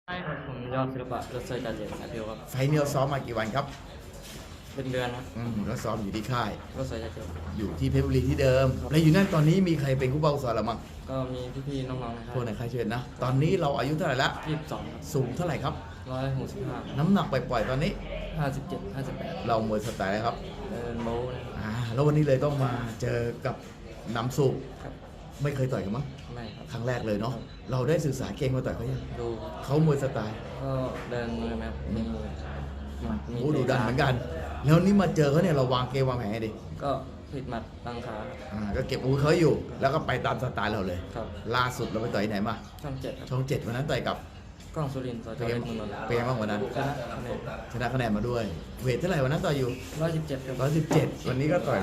ผมยอดศิลปะรถเซอร์จ่าเจ็ดสายเพียวครับไฟล์นี้เราซ้อมมากี่วันครับเป็นเดือนครับเราซ้อมอยู่ที่ค่ายรถเซอร์จ่าเจ็ดอยู่ที่เพชรบุรีที่เดิม แล้วอยู่นั่นตอนนี้มีใครเป็นผู้บังคับสอนเรามั้งก็มีพี่ๆน้องๆนะครัพวกในค่ายเชิญนะ ตอนนี้เราอายุเท่าไหร่ละ 22ครับสูงเท่าไหร่ครับ 165 น้ำหนักปล่อยๆตอนนี้ 57 58 เรามวยสไตล์อะไรครับเดินโบ้นะครับแล้ววันนี้เลยต้องมาเจอกับน้ำสุกครับไม่เคยต่อยกันมั้งไม่ครับครั้งแรกเลยเนาะ เราได้ศึกษาเกมมาต่อยเขายังดูเขามวยสไตล์ก็เดินมือไหมครับมีหมัดมีโอ้ดูดันเหมือนกัน แล้วนี่มาเจอเขาเนี่ยเราวางเกมวางแผนไงดีก็ผิดหมัดตั้งขาครับก็เก็บอาวุธเขาอยู่ แล้วก็ไปตามสไตล์เราเลยครับล่าสุดเราไปต่อยที่ไหนมาช่อง7ครับช่องเจ็ดวันนั้นต่อยกับกล้องสุรินทร์สจเป็นเล็ไงกเมืองนนท์เป็นไงบ้างวันนั้นชนะคะแนนชนะคะแนนมาด้วย เวทเท่าไหร่วันนั้นต่อยอยู่ 117ครับ 117 วันนี้ก็ต่อย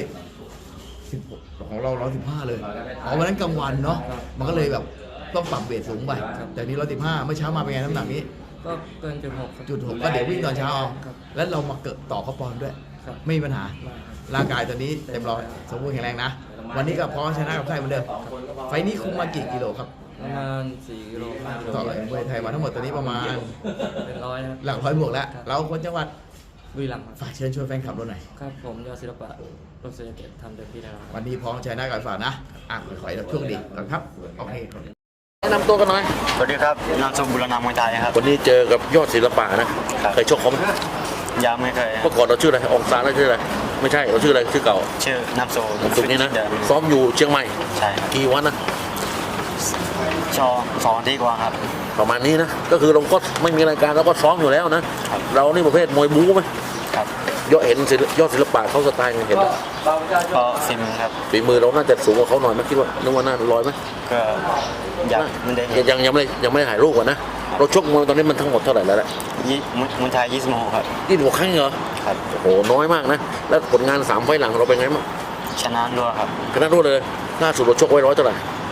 116ของเรา115เลยอ๋อวันนั้นกลางวันเนาะ มันก็เลยแบบต้องปรับเวทสูงไป แต่นี้115เมื่อเช้ามาเป็นไงน้ำหนักนี้ก็เกินจุด6ครับจุดหกก็เดี๋ยววิ่งตอนเช้าเอาครับแล้วเรามาเกิดต่อเขาปอนด์ด้วยครับไม่มีปัญหาไม่ครับร่างกายตอนนี้เต็มร้อยสมบูรณ์แข็งแรงนะ วันนี้ก็พร้อมชนะกับใครเหมือนเดิม ไฟล์นี้คุมมากี่กิโลครับประมาณ4กิโล5กิโลต่อเลยมวยไทยมาทั้งหมดตอนนี้ประมาณเป็นร้อยครับหลักร้อยบวกแล้ว เราคนจังหวัดบุรีรัมย์ครับฝากเชิญชวนแฟนคลับเราหน่อยครับผมยอดศิลปะรถเซอร์เจ็ดทำเต็มที่แล้วครับวันนี้พร้อมชนะกับฝากนะ ขอให้เราโชคดีก่อนครับ โอเคแนะนำตัวกันหน่อยสวัสดีครับนามสกุลบุรณามวยไทยครับวันนี้เจอกับยอดศิลปะนะครับเคยชกเขาไหมยังไม่เคยเมื่อก่อนเราชื่ออะไรอองซานเราชื่ออะไร ไม่ใช่เราชื่ออะไร ชื่อเก่าชื่อนามสกุลผมสุดนี้นะเดิมซ้อมอยู่เชียงใหม่ใช่ครับกี่วันนะชอ2 อาทิตย์กว่าครับประมาณนี้นะ ก็คือเราก็ไม่มีรายการเราก็ซ้อมอยู่แล้วนะครับเรานี่ประเภทมวยบู๊ไหมครับยอดเห็นยอดศิลปะเขาสไตล์ไงเห็นไหมก็ฝีมือครับฝีมือเราน่าจะสูงกว่าเขาหน่อยไหมคิดว่านึกว่าน่าลอยไหมก็อยากมันได้เห็นยังไม่ได้ถ่ายรูปก่อนนะ เราชกมวยตอนนี้มันทั้งหมดเท่าไหร่แล้วล่ะมวยไทย26ครับ 26 ครั้งเหรอครับโอ้โหน้อยมากนะ แล้วผลงาน3 ไฟล์หลังเราเป็นไงบ้างชนะด้วยครับชนะรวดเลยล่าสุดเราชกไว้100เท่าไหร่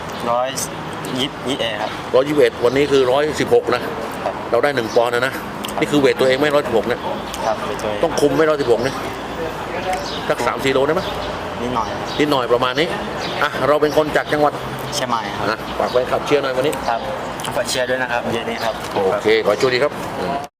121ครับ 121วันนี้คือ116นะครับเราได้1 ปอนด์นะ นี่คือเวทตัวเองไม่116นะครับไปตัวเองต้องคุมไม่116นะสัก3-4 โลได้ไหมนิดหน่อยครับนิดหน่อยประมาณนี้อ่ะเราเป็นคนจากจังหวัดเชียงใหม่ครับฝากไว้ขับเชียร์หน่อยวันนี้ครับฝากเชียร์ด้วยนะครับเย็นนี้ครับโอเคขอให้โชคดีครับ